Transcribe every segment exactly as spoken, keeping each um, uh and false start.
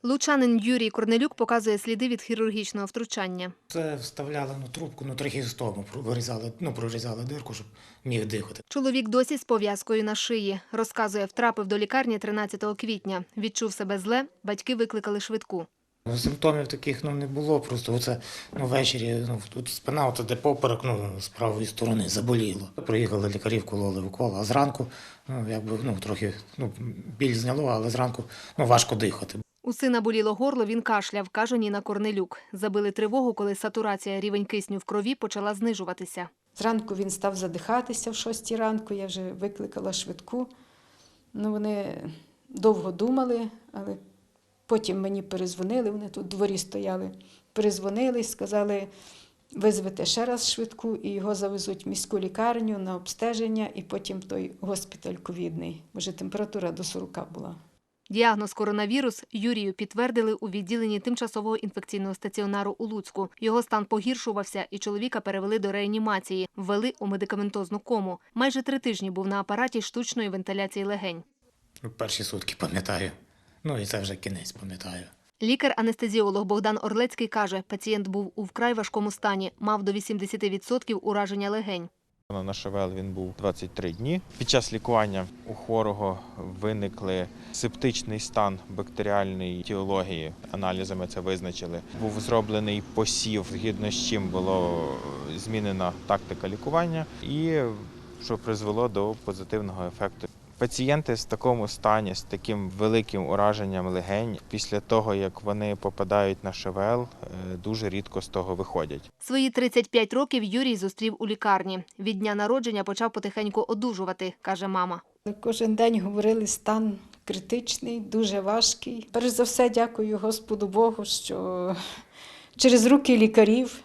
Лучанин Юрій Корнелюк показує сліди від хірургічного втручання. Це вставляли ну, трубку, ну трахеостому, вирізали, ну, прорізали дирку, щоб міг дихати. Чоловік досі з пов'язкою на шиї. Розказує, втрапив до лікарні тринадцятого квітня. Відчув себе зле, батьки викликали швидку. Симптомів таких ну, не було, просто оце, ну, ввечері ну, тут спина, оце де поперек, ну, з правої сторони заболіло. Приїхали лікарі, вкололи укол, а зранку ну, якби, ну, трохи ну, біль зняло, але зранку ну, важко дихати. У сина боліло горло, він кашляв, каже Ніна Корнелюк. Забили тривогу, коли сатурація, рівень кисню в крові почала знижуватися. Зранку він став задихатися в шостій ранку, я вже викликала швидку. Ну, вони довго думали, але потім мені перезвонили, вони тут у дворі стояли. Перезвонили, сказали, визвете ще раз швидку і його завезуть в міську лікарню на обстеження і потім в той госпіталь ковідний. Може, температура до сорока була. Діагноз коронавірус Юрію підтвердили у відділенні тимчасового інфекційного стаціонару у Луцьку. Його стан погіршувався і чоловіка перевели до реанімації, ввели у медикаментозну кому. Майже три тижні був на апараті штучної вентиляції легень. Перші сутки пам'ятаю, ну і це вже кінець пам'ятаю. Лікар-анестезіолог Богдан Орлецький каже, пацієнт був у вкрай важкому стані, мав до вісімдесяти відсотків ураження легень. На ШВЛ він був двадцять три дні. Під час лікування у хворого виникли септичний стан бактеріальної етіології. Аналізами це визначили. Був зроблений посів, згідно з чим була змінена тактика лікування і що призвело до позитивного ефекту. Пацієнти в такому стані, з таким великим ураженням легень, після того, як вони попадають на ШВЛ, дуже рідко з того виходять. Свої тридцять п'ять років Юрій зустрів у лікарні. Від дня народження почав потихеньку одужувати, каже мама. Кожен день говорили, стан критичний, дуже важкий. Перш за все, дякую Господу Богу, що через руки лікарів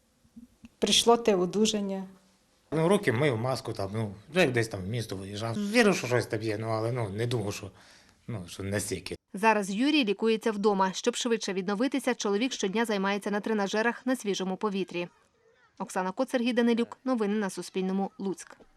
прийшло те одужання. Ну, руки мив, маску, там, ну, як десь там в місто виїжджав. Вірив, що щось там є, ну, але ну, не думав, що, ну, що настільки. Зараз Юрій лікується вдома. Щоб швидше відновитися, чоловік щодня займається на тренажерах на свіжому повітрі. Оксана Коц, Сергій Данилюк. Новини на Суспільному. Луцьк.